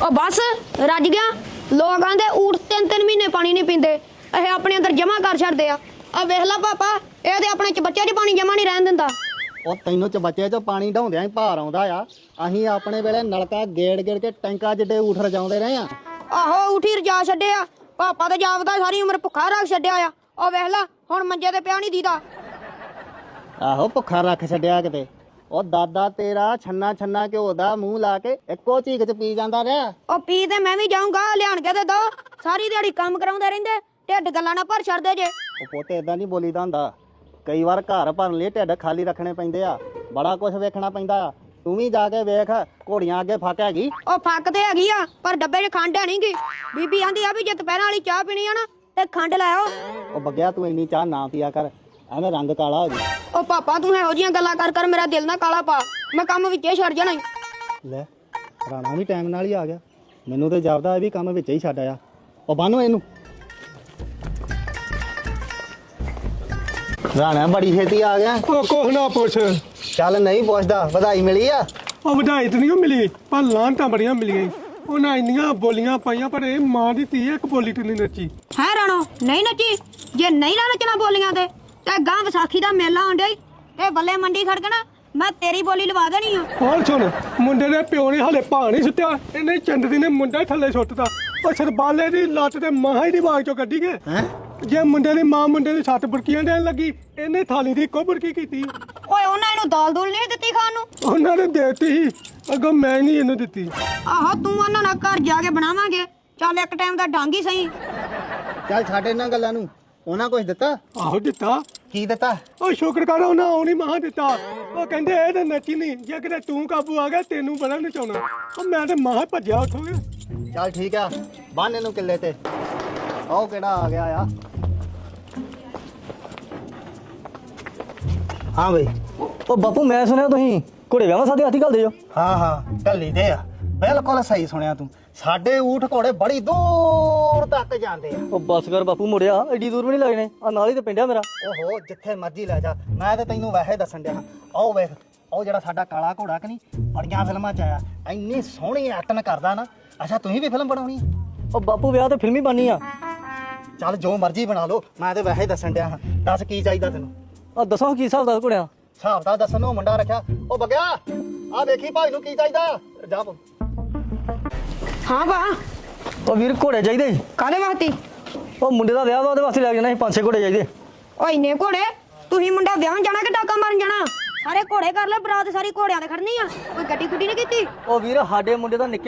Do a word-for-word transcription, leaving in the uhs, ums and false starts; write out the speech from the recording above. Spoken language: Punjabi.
ओ बस रज गया। लोग आंदे ऊठ तीन तीन महीने पानी नहीं पींदे, ਇਹ ਆਪਣੇ ਅੰਦਰ ਜਮਾ ਕਰ ਛੱਡਦੇ ਆ। ਆ ਵੇਖ ਲਾ ਪਾਪਾ, ਇਹ ਤੇ ਆਪਣੇ ਚ ਬੱਚੇ ਚ ਪਾਣੀ ਜਮਾ ਨਹੀਂ ਰਹਿਣ ਦਿੰਦਾ। ਉਹ ਤੈਨੂੰ ਚ ਬੱਚੇ ਚ ਪਾਣੀ ਢਾਉਂਦਿਆਂ ਹੀ ਭਾਰ ਆਉਂਦਾ ਆ। ਅਸੀਂ ਆਪਣੇ ਵੇਲੇ ਨਲਕਾ ਗੇੜ ਗੇੜ ਕੇ ਟੈਂਕਾਂ ਜਿੱਡੇ ਊਠ ਰਜਾਉਂਦੇ ਰਹੇ ਆ। ਆਹੋ ਉਠੀ ਰਜਾ ਛੱਡਿਆ ਪਾਪਾ ਤੇ ਜਾਪਦਾ ਸਾਰੀ ਉਮਰ ਭੁੱਖਾ ਰੱਖ ਛੱਡਿਆ ਆ। ਉਹ ਵੇਖ ਲਾ ਹੁਣ ਮੰਜੇ ਤੇ ਪਿਆ ਨਹੀਂ ਦੀਦਾ। ਆਹੋ ਭੁੱਖਾ ਰੱਖ ਛੱਡਿਆ ਕਿਤੇ। ਉਹ ਦਾਦਾ ਤੇਰਾ ਛੰਨਾ ਛੰਨਾ ਘਿਓ ਦਾ ਮੂੰਹ ਲਾ ਕੇ ਇੱਕੋ ਝੀਕ ਚ ਪੀ ਜਾਂਦਾ ਰਿਹਾ। ਉਹ ਪੀ ਤੇ ਮੈਂ ਵੀ ਜਾਊਂਗਾ, ਲਿਆਣ ਕੇ ਤੇ ਦੋ। ਸਾਰੀ ਦਿਹਾੜੀ ਕੰਮ ਕਰਾਉਂਦੇ ਰਹਿੰਦੇ, ਢਿੱਡ ਗੱਲਾਂ ਨਾਲ ਭਰ ਛੱਡਦੇ ਜੇ। ਉਹ ਪੋਤੇ ਏਦਾਂ ਨਹੀਂ ਬੋਲੀਦਾ ਹੁੰਦਾ। ਕਈ ਵਾਰ ਘਰ ਭਰਨ ਲਈ ਢਿੱਡ ਖਾਲੀ ਰੱਖਣੇ ਪੈਂਦੇ ਆ, ਬੜਾ ਕੁਝ ਵੇਖਣਾ ਪੈਂਦਾ ਆ। ਤੂੰ ਵੀ ਜਾ ਕੇ ਵੇਖ, ਘੋੜੀਆਂ ਅੱਗੇ ਫੱਕ ਹੈਗੀ। ਉਹ ਫੱਕ ਤੇ ਹੈਗੀ ਆ, ਪਰ ਡੱਬੇ 'ਚ ਖੰਡ ਹੈ ਨੀ ਗੀ। ਬੀਬੀ ਆਂਦੀ ਆ ਵੀ ਜੇ ਦੁਪਹਿਰਾਂ ਵਾਲੀ ਚਾਹ ਪੀਣੀ ਆ ਨਾ ਤੇ ਖੰਡ ਲਾਇਓ। ਉਹ ਬੱਗਿਆ ਤੂੰ ਇੰਨੀ ਚਾਹ ਨਾ ਪੀਆ ਕਰ, ਐਵੇਂ ਰੰਗ ਕਾਲਾ ਹੋ ਜਾ। ਉਹ ਪਾਪਾ ਤੂੰ ਇਹੋ ਜਿਹੀਆਂ ਗੱਲਾਂ ਕਰ ਕਰ ਮੇਰਾ ਦਿਲ ਨਾ ਕਾਲਾ ਪਾ, ਮੈਂ ਕੰਮ ਵਿੱਚੇ ਛੱਡ ਜਾਣਾ ਈ। ਲੈ ਰਾਣਾ ਵੀ ਟਾਈਮ ਨਾਲ ਹੀ ਆ ਗਿਆ। ਮੈਨੂੰ ਤੇ ਜਾਪਦਾ ਇਹ ਵੀ ਕੰਮ ਵਿੱਚ ਹੀ ਛੱਡ ਆਇਆ। ਉਹ ਬੰਨੋ ਇਹਨੂੰ। ਰਾਣਾ ਬੜੀ ਛੇਤੀ ਆ ਗਿਆ। ਉਹ ਕੁਛ ਨਾ ਪੁੱਛ। ਚੱਲ ਨਹੀਂ ਪੁੱਛਦਾ, ਵਧਾਈ ਮਿਲੀ ਆ? ਉਹ ਵਧਾਈ ਤਾਂ ਨਹੀਂ ਮਿਲੀ, ਪਰ ਲਾਹਨਤਾਂ ਬੜੀਆਂ ਮਿਲੀਆਂ। ਉਹਨਾਂ ਇੰਨੀਆਂ ਬੋਲੀਆਂ ਪਾਈਆਂ, ਪਰ ਇਹ ਮਾਂ ਦੀ ਧੀ ਇੱਕ ਬੋਲੀ ਤੇ ਨਹੀਂ ਨੱਚੀ। ਹੈ ਰਾਣੋ ਨਹੀਂ ਨੱਚੀ? ਜੇ ਨਹੀਂ ਨਾ ਨੱਚਣਾ ਬੋਲੀਆਂ ਤੇ ਤੇ ਗਾਂ ਵਿਸਾਖੀ ਦਾ ਮੇਲਾ ਆਉਂਦਾ ਈ, ਤੇ ਬੱਲੇ ਮੰਡੀ ਖੜਕਣਾ, ਮੈਂ ਤੇਰੀ ਬੋਲੀ ਲਵਾ ਦੇਣੀ ਆ। ਹੋਰ ਸੁਣ, ਮੁੰਡੇ ਦੇ ਪਿਓ ਨੇ ਹਲੇ ਭਾਂ ਨਹੀਂ ਸੁੱਟਿਆ, ਇਹਨੇ ਚੰਦਰੀ ਨੇ ਮੁੰਡਾ ਹੀ ਥੱਲੇ ਸੁੱਟਤਾ। ਉਹ ਸਰਬਾਲੇ ਦੀ ਲੱਤ ਤੇ ਮਾਂ ਹੀ ਦੀ ਬਾਗ ਚੋਂ ਕੱਢੀ ਗਏ। ਹੈਂ? ਜੇ ਮੁੰਡੇ ਦੀ ਮਾਂ ਮੁੰਡੇ ਦੀ ਸੱਤ ਬੁਰਕੀਆਂ ਦੇਣ ਲੱਗੀ, ਇਹਨੇ ਥਾਲੀ ਦੀ ਇੱਕੋ ਬੁਰਕੀ ਕੀਤੀ। ਓਏ ਉਹਨਾਂ ਇਹਨੂੰ ਦਾਲ ਦੂਲ ਨਹੀਂ ਦਿੱਤੀ ਖਾਣ ਨੂੰ? ਉਹਨਾਂ ਨੇ ਦੇਤੀ ਸੀ, ਅੱਗੋਂ ਮੈਂ ਨਹੀਂ ਇਹਨੂੰ ਦਿੱਤੀ। ਆਹੋ ਤੂੰ ਉਹਨਾਂ ਨਾਲ ਘਰ ਜਾ ਕੇ ਬਣਾਵਾਂਗੇ। ਚੱਲ ਇੱਕ ਟਾਈਮ ਦਾ ਡੰਗ ਹੀ ਸਹੀ। ਚੱਲ ਛੱਡ ਇਹਨਾਂ ਗੱਲਾਂ ਨੂੰ। ਉਹਨਾਂ ਕੁਝ ਦਿੱਤਾ? ਆਹੋ ਦਿੱਤਾ। ਕੀ ਦਿੱਤਾ? ਉਹ ਸ਼ੁਕਰ ਕਰ ਉਹਨਾਂ ਆਉਣੀ ਮਹਾ ਦਿੱਤਾ। ਉਹ ਕਹਿੰਦੇ ਇਹ ਤਾਂ ਨੱਚੀ ਨਹੀਂ, ਜੇ ਕਿਤੇ ਤੂੰ ਕਾਬੂ ਆ ਗਿਆ ਤੈਨੂੰ ਬੜਾ ਨਚਾਉਣਾ। ਉਹ ਮੈਂ ਤੇ ਮਹਾ ਭੱਜਿਆ ਉੱਥੋਂ। ਚੱਲ ਠੀਕ ਆ, ਬੰਨ ਇਹਨੂੰ ਕਿੱਲੇ ਤੇ। ਆਹ ਕਿਹੜਾ ਆ ਗਿਆ ਆ? ਹਾਂ ਬਈ। ਉਹ ਬਾਪੂ ਮੈਂ ਸੁਣਿਆ ਤੁਸੀਂ ਘੋੜੇ ਵਿਆਹਾਂ ਸਾਦੇ ਹਾਥੀ ਘੱਲਦੇ ਹੋ। ਹਾਂ ਹਾਂ ਢੱਲੀ ਦੇ ਆ, ਬਿਲਕੁਲ ਸਹੀ ਸੁਣਿਆ ਤੂੰ। ਸਾਡੇ ਊਠ ਘੋੜੇ ਬੜੀ ਦੂਰ ਤੱਕ ਜਾਂਦੇ ਆ। ਉਹ ਬੱਸ ਕਰ ਬਾਪੂ, ਮੁੜਿਆ ਐਡੀ ਦੂਰ ਵੀ ਨਹੀਂ ਲੱਗਣੇ, ਆ ਨਾਲ ਹੀ ਤੇ ਪਿੰਡਿਆ ਮੇਰਾ। ਓਹੋ ਜਿੱਥੇ ਮਰਜ਼ੀ ਲੈ ਜਾ, ਮੈਂ ਤੇ ਤੈਨੂੰ ਵੈਸੇ ਦੱਸਣ ਡਿਆ। ਆਓ ਵੇਖ, ਉਹ ਜਿਹੜਾ ਸਾਡਾ ਕਾਲਾ ਘੋੜਾ ਕਿ ਨਹੀਂ, ਬੜੀਆਂ ਫਿਲਮਾਂ 'ਚ ਆਇਆ। ਇੰਨੀ ਸੋਹਣੀ ਐਕਟਿੰਗ ਕਰਦਾ ਨਾ। ਅੱਛਾ ਤੁਸੀਂ ਵੀ ਫਿਲਮ ਬਣਾਉਣੀ? ਉਹ ਬਾਪੂ ਵਿਆਹ ਤੇ ਫਿਲਮੀ ਬਣਨੀ ਆ। ਚੱਲ ਜੋ ਮਰਜ਼ੀ ਬਣਾ ਲਓ, ਮੈਂ ਤੇ ਵੈਸੇ ਦੱਸਣ ਡਿਆ ਹਾਂ। ਦੱਸ ਕੀ ਚਾਹੀਦਾ ਤੈਨੂੰ? ਆ ਦੱਸੋ ਕੀ ਹਿਸਾਬ ਦਾ ਘੋੜਿਆਂ? ਹਿਸਾਬ ਦਾ ਦੱਸਣ ਨੂੰ ਮੁੰਡਾ ਰੱਖਿਆ। ਉਹ ਬਗਿਆ ਆ ਵੇਖੀ ਭਾਈ ਨੂੰ ਕੀ ਚਾਹੀਦਾ। ਜਾ ਹਾਂ ਵਾ ਉਹ ਵੀਰ ਘੋੜੇ ਚਾਹੀਦੇ। ਕਾਹਦੇ ਵਾਸਤੇ? ਉਹ ਮੁੰਡੇ ਦਾ ਵਿਆਹ ਵਾ, ਉਹਦੇ ਵਾਸਤੇ ਲੈ ਜਾਣਾ ਸੀ ਪੰਜ ਛੇ ਘੋੜੇ ਚਾਹੀਦੇ। ਓ ਇੰਨੇ ਘੋੜੇ? ਤੁਸੀਂ ਮੁੰਡਾ ਵਿਆਹਣ ਜਾਣਾ ਕਿ ਟਾਕਾ ਮਾਰਨ ਜਾਣਾ? ਸਾਰੇ ਘੋੜੇ ਕਰ ਲੈ, ਬਰਾਤ ਸਾਰੀ ਘੋੜਿਆਂ ਤੇ ਖੜਨੀ ਆ। ਕੋਈ ਗੱਡੀ ਗੁੱਡੀ ਨਹੀਂ ਕੀਤੀ? ਉਹ ਵੀਰ ਸਾਡੇ ਮੁੰਡੇ ਦਾ ਨਿੱਕੇ